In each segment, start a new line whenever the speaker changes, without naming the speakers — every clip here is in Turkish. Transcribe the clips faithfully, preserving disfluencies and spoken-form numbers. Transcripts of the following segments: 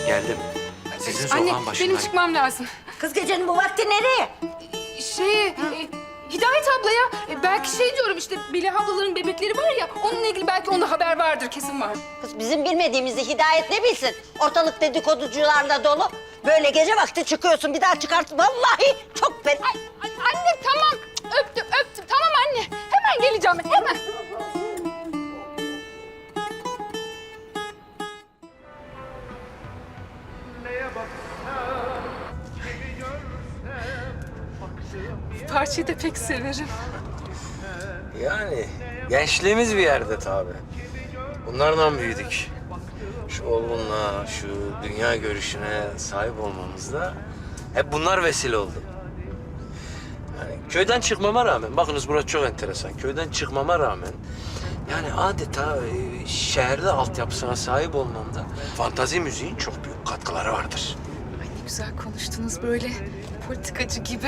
Geldim. Sizin
Anne,
sokağın başındayım.
benim çıkmam lazım.
Kız gecenin bu vakti nereye?
Şey, e, Hidayet ablaya e, belki şey diyorum işte Melih ablaların bebekleri var ya, onunla ilgili belki onda haber vardır, kesin var.
Kız bizim bilmediğimizi Hidayet ne bilsin? Ortalık dedikoducularla dolu. Böyle gece vakti çıkıyorsun, bir daha çıkarsın. Vallahi çok fena.
Ay, ay, anne tamam, öptüm öptüm. Tamam anne, hemen geleceğim ben, hemen. Bu parçayı da pek severim.
Yani gençliğimiz bir yerde tabii. Bunlardan büyüdük. Şu olgunluğa, şu dünya görüşüne sahip olmamızda hep bunlar vesile oldu. Yani köyden çıkmama rağmen, bakınız burası çok enteresan. Köyden çıkmama rağmen yani adeta e, şehirde altyapısına sahip olmamda fantazi müziğin çok büyük katkıları vardır.
Ay ne güzel konuştunuz böyle, politikacı gibi.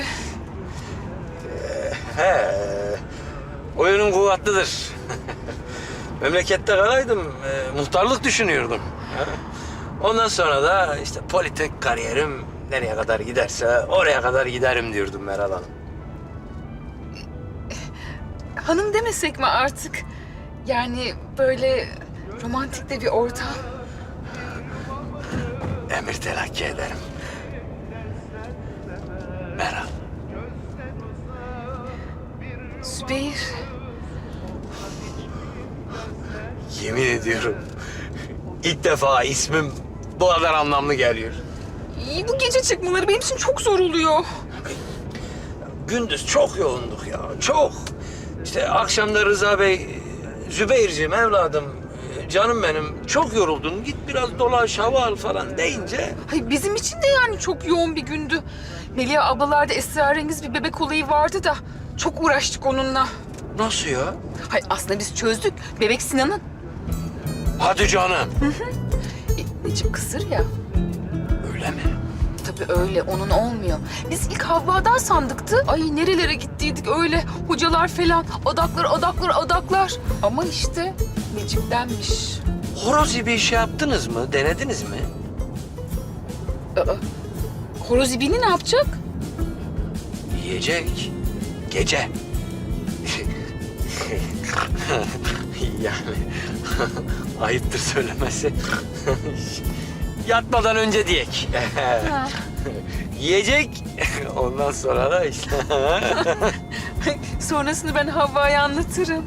He, oyunum kuvvetlidir. Memlekette kalaydım, e, muhtarlık düşünüyordum. Ha. Ondan sonra da işte politik kariyerim nereye kadar giderse oraya kadar giderim diyordum Meral Hanım.
Hanım demesek mi artık? Yani böyle romantik de bir ortam.
Emir telakki ederim. Meral.
Zübeyir.
Yemin ediyorum ilk defa ismim bu kadar anlamlı geliyor.
İyi, bu gece çıkmaları benim için çok zor oluyor.
Gündüz çok yoğunduk ya, çok. İşte akşamda Rıza Bey, Zübeyir'ciğim evladım, canım benim çok yoruldun, git biraz dolaş, hava al falan deyince...
Hayır, bizim için de yani çok yoğun bir gündü. Melih ablalarda esrarengiz bir bebek olayı vardı da çok uğraştık onunla.
Nasıl ya?
Hayır, aslında biz çözdük. Bebek Sinan'ın.
Hadi canım.
E, Necip kısır ya.
Öyle mi?
Tabii öyle, onun olmuyor. Biz ilk Havva'dan sandıktı. Ay nerelere gittiydik öyle. Hocalar falan, adaklar, adaklar, adaklar. Ama işte Necip'tenmiş.
Horoz gibi bir şey yaptınız mı, denediniz mi?
Aa, horoz ibini ne yapacak?
Yiyecek. Gece. Yani ayıptır söylemesi. Yatmadan önce diyek. Yiyecek. Ondan sonra da işte.
Sonrasını ben Havva'ya anlatırım.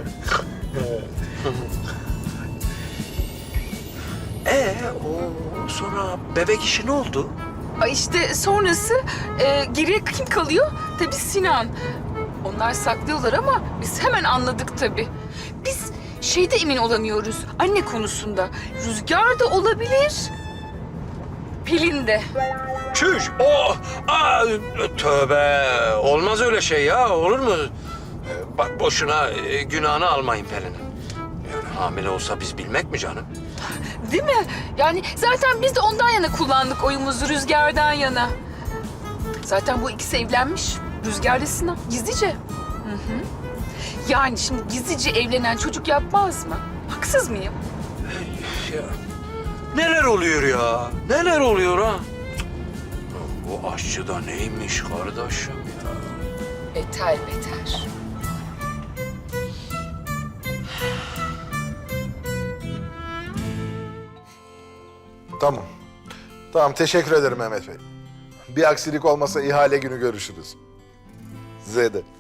Ee, o sonra bebek işi ne oldu?
Ay işte sonrası e, geriye kim kalıyor? Tabii Sinan. Onlar saklıyorlar ama biz hemen anladık tabii. Biz şeyde emin olamıyoruz, anne konusunda. Rüzgar da olabilir, Pelin de.
Çüş! O! Aa, tövbe! Olmaz öyle şey ya, olur mu? Ee, Bak boşuna e, günahını almayın Pelin'in. Yani hamile olsa biz bilmek mi canım?
Değil mi? Yani zaten biz de ondan yana kullandık oyumuzu, Rüzgar'dan yana. Zaten bu ikisi evlenmiş, Rüzgar ile Sinan, gizlice. Hı hı. Yani şimdi gizlice evlenen çocuk yapmaz mı? Haksız mıyım?
Ya, neler oluyor ya? Neler oluyor ha? Bu aşçı da neymiş kardeşim ya?
Beter beter.
Tamam. Tamam, teşekkür ederim Mehmet Bey. Bir aksilik olmasa ihale günü görüşürüz. Size de.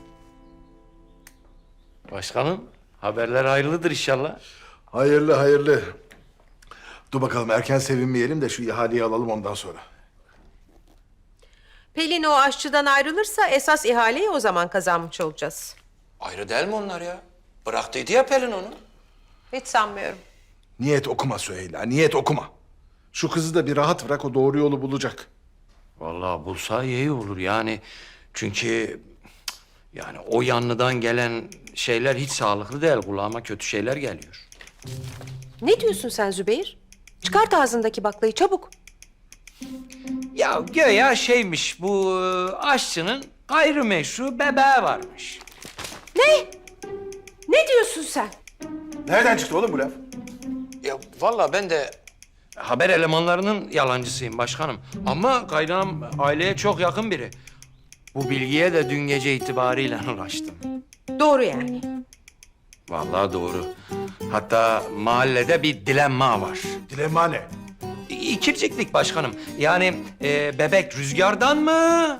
Başkanım, haberler hayırlıdır inşallah.
Hayırlı hayırlı. Dur bakalım, erken sevinmeyelim de şu ihaleyi alalım ondan sonra.
Pelin o aşçıdan ayrılırsa esas ihaleyi o zaman kazanmış olacağız.
Ayrı değil mi onlar ya? Bıraktıydı ya Pelin onu.
Hiç sanmıyorum.
Niyet okuma Süheyla, niyet okuma. Şu kızı da bir rahat bırak, o doğru yolu bulacak.
Vallahi bulsa iyi olur yani. Çünkü yani o yanlıdan gelen şeyler hiç sağlıklı değil. Kulağıma kötü şeyler geliyor.
Ne diyorsun sen Zübeyir? Çıkart ağzındaki baklayı çabuk.
Ya göya şeymiş bu e, aşçının gayrimeşru bebeği varmış.
Ne? Ne diyorsun sen?
Nereden çıktı oğlum bu laf?
Ya vallahi ben de haber elemanlarının yalancısıyım başkanım. Ama kaynağım aileye çok yakın biri. Bu bilgiye de dün gece itibariyle ulaştım.
Doğru yani.
Vallahi doğru. Hatta mahallede bir dilenma var.
Dilemma ne?
İkirciklik başkanım. Yani e, bebek rüzgardan mı?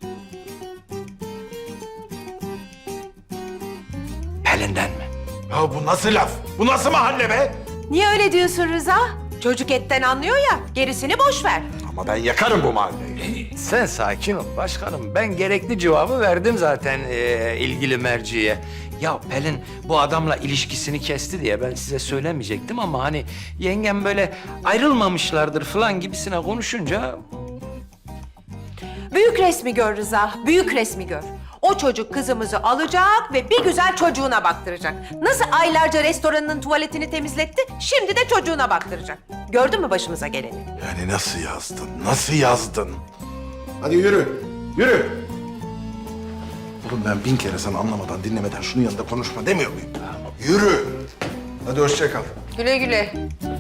Pelin'den mi?
Ya bu nasıl laf? Bu nasıl mahalle be?
Niye öyle diyorsun Rıza? Çocuk etten anlıyor ya, gerisini boş ver.
Ama ben yakarım bu mahalleyi.
Sen sakin ol başkanım. Ben gerekli cevabı verdim zaten e, ilgili merciye. Ya Pelin bu adamla ilişkisini kesti diye ben size söylemeyecektim ama hani yengem böyle ayrılmamışlardır falan gibisine konuşunca
Büyük resmi gör Rıza, büyük resmi gör. O çocuk kızımızı alacak ve bir güzel çocuğuna baktıracak. Nasıl aylarca restoranının tuvaletini temizletti, şimdi de çocuğuna baktıracak. Gördün mü başımıza geleni?
Yani nasıl yazdın? Nasıl yazdın? Hadi yürü. Yürü. Oğlum ben bin kere sana anlamadan dinlemeden şunun yanında konuşma demiyor muyum? Yürü. Hadi hoşça kal.
Güle güle.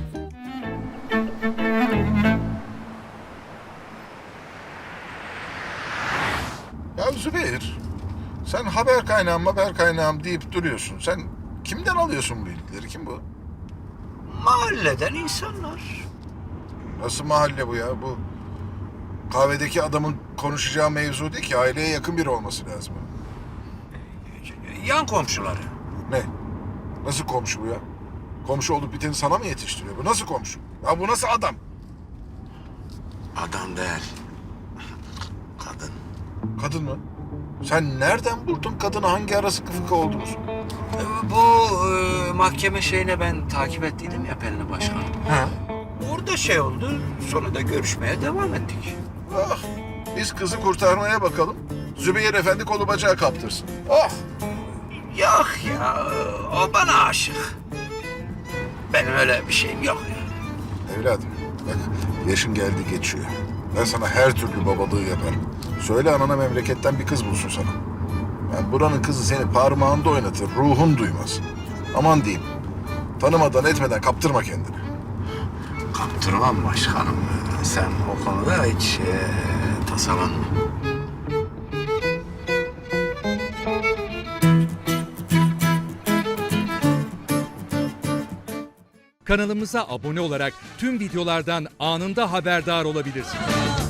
Ya Zübeyir, sen haber kaynağım haber kaynağım deyip duruyorsun. Sen kimden alıyorsun bu bilgileri? Kim bu?
mahalleden insanlar.
Nasıl mahalle bu ya? Bu kahvedeki adamın konuşacağı mevzu değil ki. Aileye yakın biri olması lazım.
Yan komşuları.
Ne? Nasıl komşu bu ya? Komşu olup biteni sana mı yetiştiriyor bu? Nasıl komşu? Ya bu nasıl adam?
Adam değil. Kadın.
Kadın mı? Sen nereden buldun kadını? Hangi ara sıkı fıkı oldunuz?
Bu e, mahkeme şeyine ben takip ettiydim ya Pelin'i başkanım.
Ha?
Orada şey oldu, sonra da görüşmeye devam ettik.
Ah, biz kızı kurtarmaya bakalım. Zübeyir Efendi kolu bacağı kaptırsın. Oh!
Yok ya, o bana aşık. Benim öyle bir şeyim yok ya.
Evladım, bak yaşın geldi geçiyor. Ben sana her türlü babalığı yaparım. Söyle anana memleketten bir kız bulsun sana. Yani buranın kızı seni parmağında oynatır, ruhun duymaz. Aman diyeyim, tanımadan etmeden kaptırma kendini.
Kaptırmam başkanım. Sen o konuda hiç e, tasalanma.
Kanalımıza abone olarak tüm videolardan anında haberdar olabilirsiniz.